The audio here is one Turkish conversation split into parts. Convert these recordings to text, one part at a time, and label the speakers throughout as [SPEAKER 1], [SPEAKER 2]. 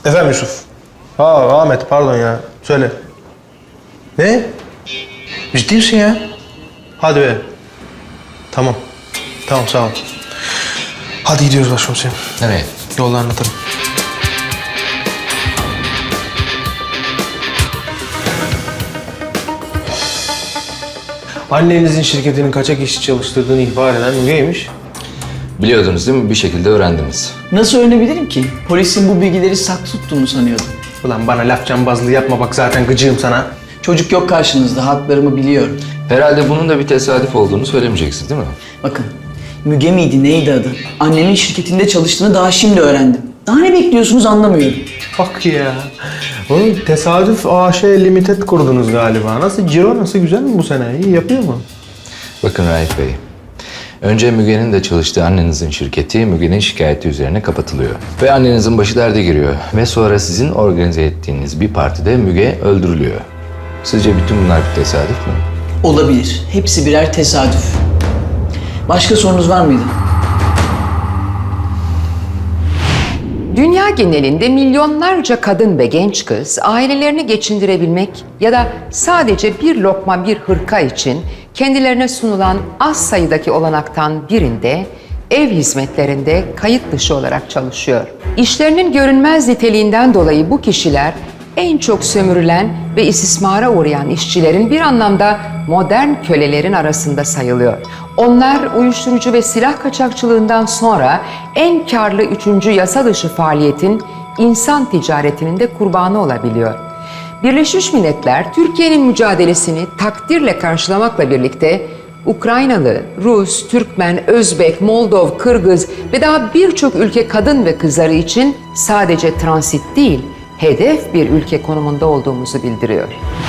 [SPEAKER 1] Efendim Yusuf. Ahmet pardon ya. Söyle. Ne? Ciddi misin ya? Hadi be. Tamam. Tamam sağ ol. Hadi gidiyoruz başkomiserim.
[SPEAKER 2] Nereye?
[SPEAKER 1] Yolda anlatırım. Annenizin şirketinin kaçak işçi çalıştırdığını ihbar eden Müge'ymiş.
[SPEAKER 2] Biliyordunuz değil mi? Bir şekilde öğrendiniz.
[SPEAKER 3] Nasıl öğrenebilirim ki? Polisin bu bilgileri saklı tuttuğunu sanıyordum.
[SPEAKER 1] Ulan bana laf cambazlığı yapma bak zaten gıcığım sana.
[SPEAKER 3] Çocuk yok karşınızda, haklarımı biliyorum.
[SPEAKER 2] Herhalde bunun da bir tesadüf olduğunu söylemeyeceksiniz değil mi?
[SPEAKER 3] Bakın, Müge miydi, neydi adı? Annemin şirketinde çalıştığını daha şimdi öğrendim. Daha ne bekliyorsunuz anlamıyorum.
[SPEAKER 1] Bak ya. Oğlum tesadüf AŞ Limited kurdunuz galiba. Nasıl ciro nasıl güzel mi bu sene? İyi yapıyor mu?
[SPEAKER 2] Bakın Raif Bey. Önce Müge'nin de çalıştığı annenizin şirketi Müge'nin şikayeti üzerine kapatılıyor. Ve annenizin başı derde giriyor. Ve sonra sizin organize ettiğiniz bir partide Müge öldürülüyor. Sizce bütün bunlar bir tesadüf mü?
[SPEAKER 3] Olabilir. Hepsi birer tesadüf. Başka sorunuz var mıydı?
[SPEAKER 4] Dünya genelinde milyonlarca kadın ve genç kız ailelerini geçindirebilmek ya da sadece bir lokma bir hırka için kendilerine sunulan az sayıdaki olanaktan birinde ev hizmetlerinde kayıt dışı olarak çalışıyor. İşlerinin görünmez niteliğinden dolayı bu kişiler en çok sömürülen ve istismara uğrayan işçilerin bir anlamda modern kölelerin arasında sayılıyor. Onlar uyuşturucu ve silah kaçakçılığından sonra en karlı üçüncü yasa dışı faaliyetin insan ticaretinin de kurbanı olabiliyor. Birleşmiş Milletler Türkiye'nin mücadelesini takdirle karşılamakla birlikte Ukraynalı, Rus, Türkmen, Özbek, Moldov, Kırgız ve daha birçok ülke kadın ve kızları için sadece transit değil, hedef bir ülke konumunda olduğumuzu bildiriyor.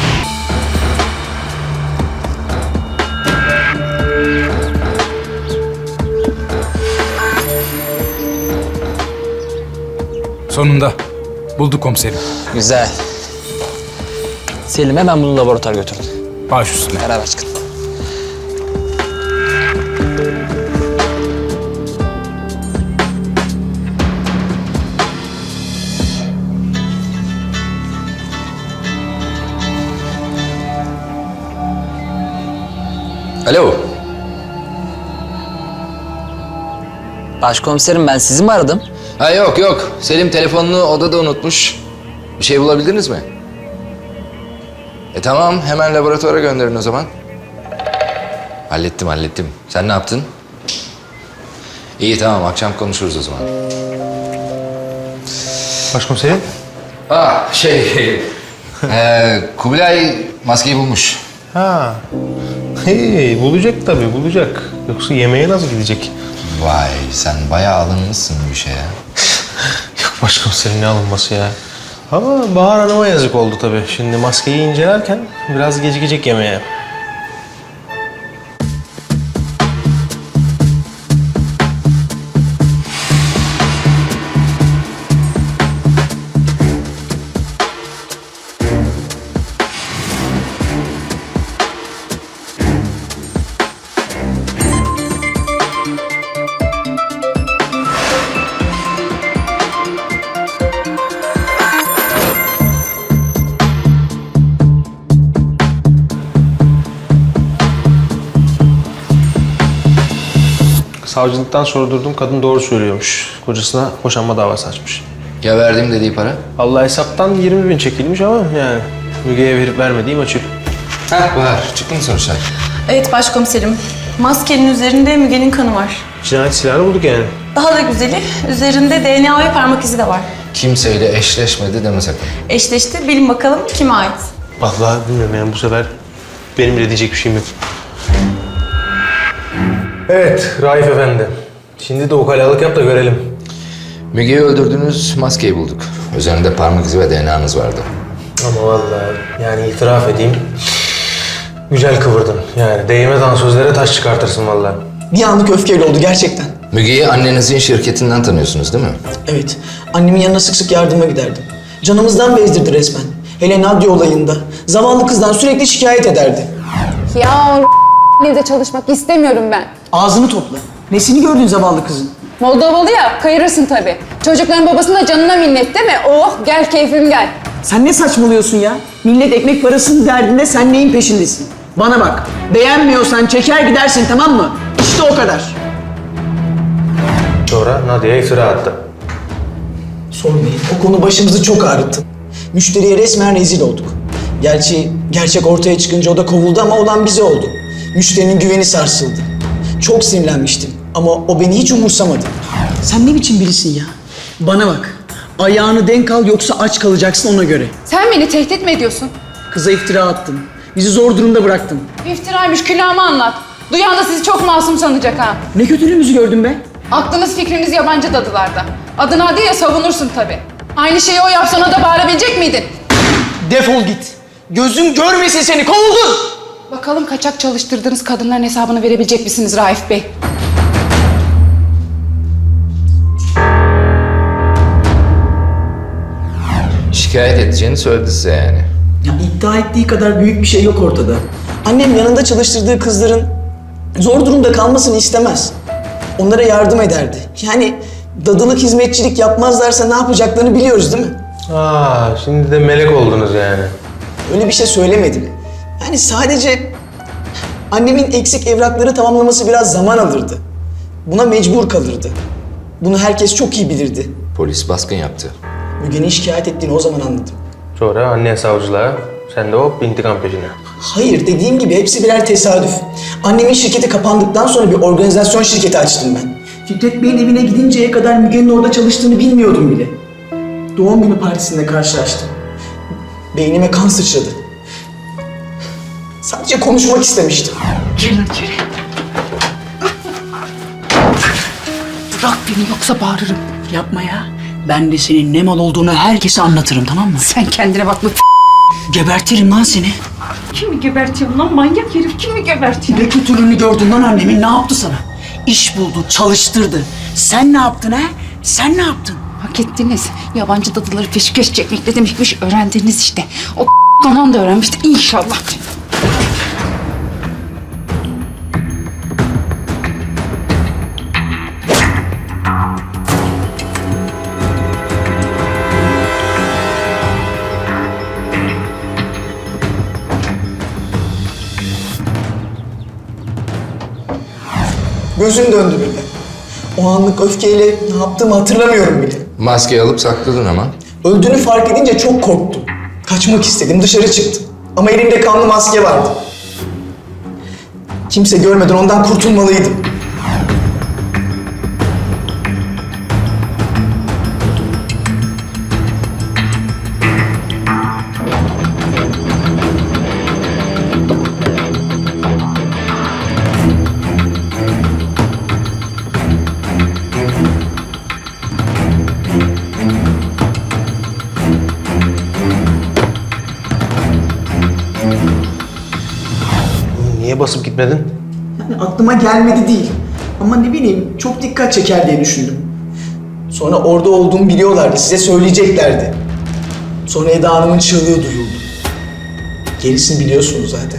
[SPEAKER 5] Sonunda. Bulduk komiserim.
[SPEAKER 6] Güzel. Selim hemen bunu laboratuvara götürün.
[SPEAKER 5] Baş üstüne.
[SPEAKER 6] Beraber çıkın.
[SPEAKER 2] Alo.
[SPEAKER 6] Başkomiserim ben sizi mi aradım?
[SPEAKER 2] Ha yok. Selim telefonunu odada unutmuş. Bir şey bulabildiniz mi? Tamam hemen laboratuvara gönderin o zaman. Hallettim. Sen ne yaptın? İyi tamam akşam konuşuruz o zaman.
[SPEAKER 1] Başkomiserim.
[SPEAKER 2] Kubilay maskeyi bulmuş.
[SPEAKER 1] Ha. Hey, bulacak tabii bulacak. Yoksa yemeğe nasıl gidecek?
[SPEAKER 2] Vay sen bayağı alınmışsın bu işe ya.
[SPEAKER 1] Yok başkomiserim ne alınması ya. Ama Bahar Hanım'a yazık oldu tabii. Şimdi maskeyi incelerken biraz gecikecek yemeğe. Savcılıktan sordurdum, kadın doğru söylüyormuş. Kocasına boşanma davası açmış.
[SPEAKER 2] Ya verdiğim dediği para?
[SPEAKER 1] Allah hesaptan 20.000 çekilmiş ama yani Müge'ye verip vermediği maçı.
[SPEAKER 2] Var. Çıktı mı sonuçlar?
[SPEAKER 7] Evet başkomiserim. Maskenin üzerinde Müge'nin kanı var.
[SPEAKER 1] Cinayet silahını bulduk yani.
[SPEAKER 7] Daha da güzeli, üzerinde DNA ve parmak izi de var.
[SPEAKER 2] Kimseyle eşleşmedi deme sakın.
[SPEAKER 7] Eşleşti, bilin bakalım kime ait?
[SPEAKER 1] Vallahi bilmiyorum yani bu sefer benim de diyecek bir şeyim yok. Evet Raif Efendi. Şimdi de ukalalık yap da görelim.
[SPEAKER 2] Müge'yi öldürdünüz, maskeyi bulduk. Üzerinde parmak izi ve DNA'nız vardı.
[SPEAKER 1] Ama vallahi yani itiraf edeyim. Güzel kıvırdın. Yani değmez sözlere taş çıkartırsın vallahi.
[SPEAKER 3] Bir anlık öfkeyle oldu gerçekten.
[SPEAKER 2] Müge'yi annenizin şirketinden tanıyorsunuz değil mi?
[SPEAKER 3] Evet, annemin yanına sık sık yardıma giderdim. Canımızdan bezdirdi resmen. Hele Nadia olayında. Zavallı kızdan sürekli şikayet ederdi.
[SPEAKER 8] Ya evde çalışmak istemiyorum ben.
[SPEAKER 3] Ağzını topla. Nesini gördün zavallı kızın?
[SPEAKER 8] Moldovalı ya, kayırırsın tabii. Çocukların babasının da canına minnet değil mi? Oh gel keyfim gel.
[SPEAKER 3] Sen ne saçmalıyorsun ya? Millet ekmek parasının derdinde, sen neyin peşindesin? Bana bak, beğenmiyorsan çeker gidersin, tamam mı? İşte o kadar.
[SPEAKER 1] Sonra Nadia'ya iftira attı.
[SPEAKER 3] Sormayın, o konu başımızı çok ağrıttı. Müşteriye resmen rezil olduk. Gerçi gerçek ortaya çıkınca o da kovuldu ama olan bize oldu. Müşterinin güveni sarsıldı. Çok sinirlenmiştim ama o beni hiç umursamadı. Sen ne biçim birisin ya? Bana bak, ayağını denk al yoksa aç kalacaksın ona göre.
[SPEAKER 8] Sen beni tehdit mi ediyorsun?
[SPEAKER 3] Kıza iftira attın. Bizi zor durumda bıraktın.
[SPEAKER 8] İftiraymış, külahımı anlat. Duyan da sizi çok masum sanacak ha.
[SPEAKER 3] Ne kötülüğümüzü gördün be?
[SPEAKER 8] Aklınız fikriniz yabancı dadılarda. Adın adı ya savunursun tabii. Aynı şeyi o yapsa ona da bağırabilecek miydin?
[SPEAKER 3] Defol git. Gözüm görmesin seni, kovuldun!
[SPEAKER 8] Bakalım kaçak çalıştırdığınız kadınların hesabını verebilecek misiniz Raif Bey?
[SPEAKER 2] Şikayet edeceğini söyledi size yani.
[SPEAKER 3] Ya iddia ettiği kadar büyük bir şey yok ortada. Annem yanında çalıştırdığı kızların zor durumda kalmasını istemez. Onlara yardım ederdi. Yani dadılık, hizmetçilik yapmazlarsa ne yapacaklarını biliyoruz değil mi?
[SPEAKER 1] Şimdi de melek oldunuz yani.
[SPEAKER 3] Öyle bir şey söylemedim. Yani sadece annemin eksik evrakları tamamlaması biraz zaman alırdı. Buna mecbur kalırdı. Bunu herkes çok iyi bilirdi.
[SPEAKER 2] Polis baskın yaptı.
[SPEAKER 3] Müge'nin şikayet ettiğini o zaman anladım.
[SPEAKER 1] Sonra anne savcılığa, sen de hop intikam peşine.
[SPEAKER 3] Hayır, dediğim gibi hepsi birer tesadüf. Annemin şirketi kapandıktan sonra bir organizasyon şirketi açtım ben. Fikret Bey'in evine gidinceye kadar Müge'nin orada çalıştığını bilmiyordum bile. Doğum günü partisinde karşılaştım. Beynime kan sıçradı. Sadece konuşmak istemiştim.
[SPEAKER 8] Girin içeri. Bırak beni yoksa bağırırım.
[SPEAKER 3] Yapma ya. Ben de senin ne mal olduğunu herkese anlatırım, tamam mı?
[SPEAKER 8] Sen kendine bak.
[SPEAKER 3] Gebertirim lan seni.
[SPEAKER 8] Kimi gebertiyorsun lan manyak herif? Kimi gebertiyorsun?
[SPEAKER 3] Ne kötülüğünü gördün lan annemin, ne yaptı sana? İş buldu, çalıştırdı. Sen ne yaptın ha? Sen ne yaptın?
[SPEAKER 8] Hak ettiniz. Yabancı dadıları peşkeş çekmek ne demekmiş öğrendiniz işte. O kanan da öğrenmişti inşallah.
[SPEAKER 3] Gözüm döndü bile. O anlık öfkeyle ne yaptığımı hatırlamıyorum bile.
[SPEAKER 2] Maskeyi alıp sakladın ama.
[SPEAKER 3] Öldüğünü fark edince çok korktum. Kaçmak istedim, dışarı çıktım. Ama elimde kanlı maske vardı. Kimse görmeden ondan kurtulmalıydım.
[SPEAKER 1] Niye basıp gitmedin?
[SPEAKER 3] Yani aklıma gelmedi değil. Ama ne bileyim, çok dikkat çeker diye düşündüm. Sonra orada olduğumu biliyorlardı, size söyleyeceklerdi. Sonra Eda Hanım'ın çığlığı duyuldu. Gerisini biliyorsunuz zaten.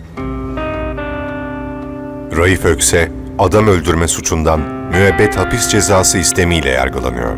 [SPEAKER 9] Raif Ökse, adam öldürme suçundan müebbet hapis cezası istemiyle yargılanıyor.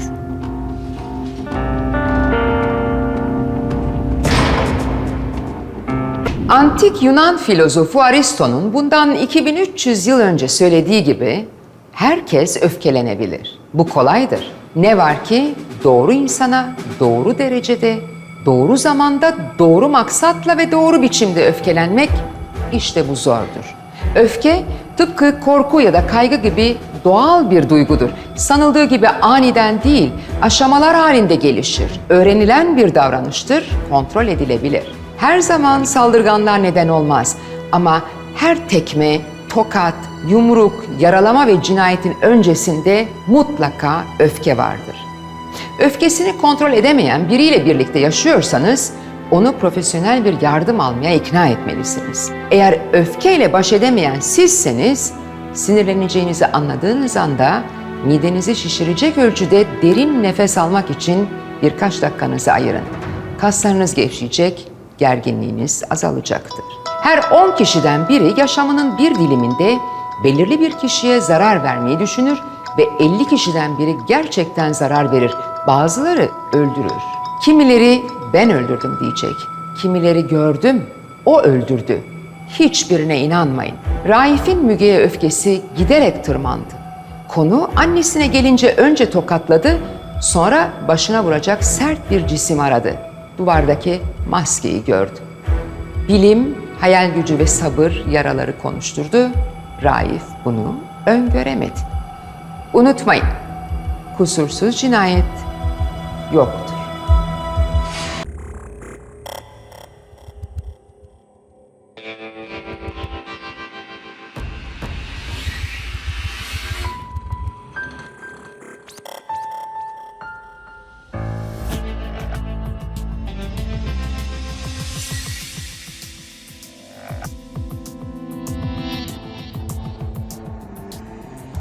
[SPEAKER 4] Antik Yunan filozofu Aristo'nun bundan 2300 yıl önce söylediği gibi herkes öfkelenebilir. Bu kolaydır. Ne var ki doğru insana doğru derecede, doğru zamanda, doğru maksatla ve doğru biçimde öfkelenmek işte bu zordur. Öfke tıpkı korku ya da kaygı gibi doğal bir duygudur. Sanıldığı gibi aniden değil, aşamalar halinde gelişir. Öğrenilen bir davranıştır, kontrol edilebilir. Her zaman saldırganlar neden olmaz ama her tekme, tokat, yumruk, yaralama ve cinayetin öncesinde mutlaka öfke vardır. Öfkesini kontrol edemeyen biriyle birlikte yaşıyorsanız onu profesyonel bir yardım almaya ikna etmelisiniz. Eğer öfkeyle baş edemeyen sizseniz sinirleneceğinizi anladığınız anda midenizi şişirecek ölçüde derin nefes almak için birkaç dakikanızı ayırın. Kaslarınız gevşeyecek, gerginliğiniz azalacaktır. Her 10 kişiden biri yaşamının bir diliminde belirli bir kişiye zarar vermeyi düşünür ve 50 kişiden biri gerçekten zarar verir. Bazıları öldürür. Kimileri ben öldürdüm diyecek. Kimileri gördüm, o öldürdü. Hiçbirine inanmayın. Raif'in Müge'ye öfkesi giderek tırmandı. Konu annesine gelince önce tokatladı, sonra başına vuracak sert bir cisim aradı. Duvardaki maskeyi gördü. Bilim, hayal gücü ve sabır yaraları konuşturdu. Raif bunu öngöremedi. Unutmayın, kusursuz cinayet yok.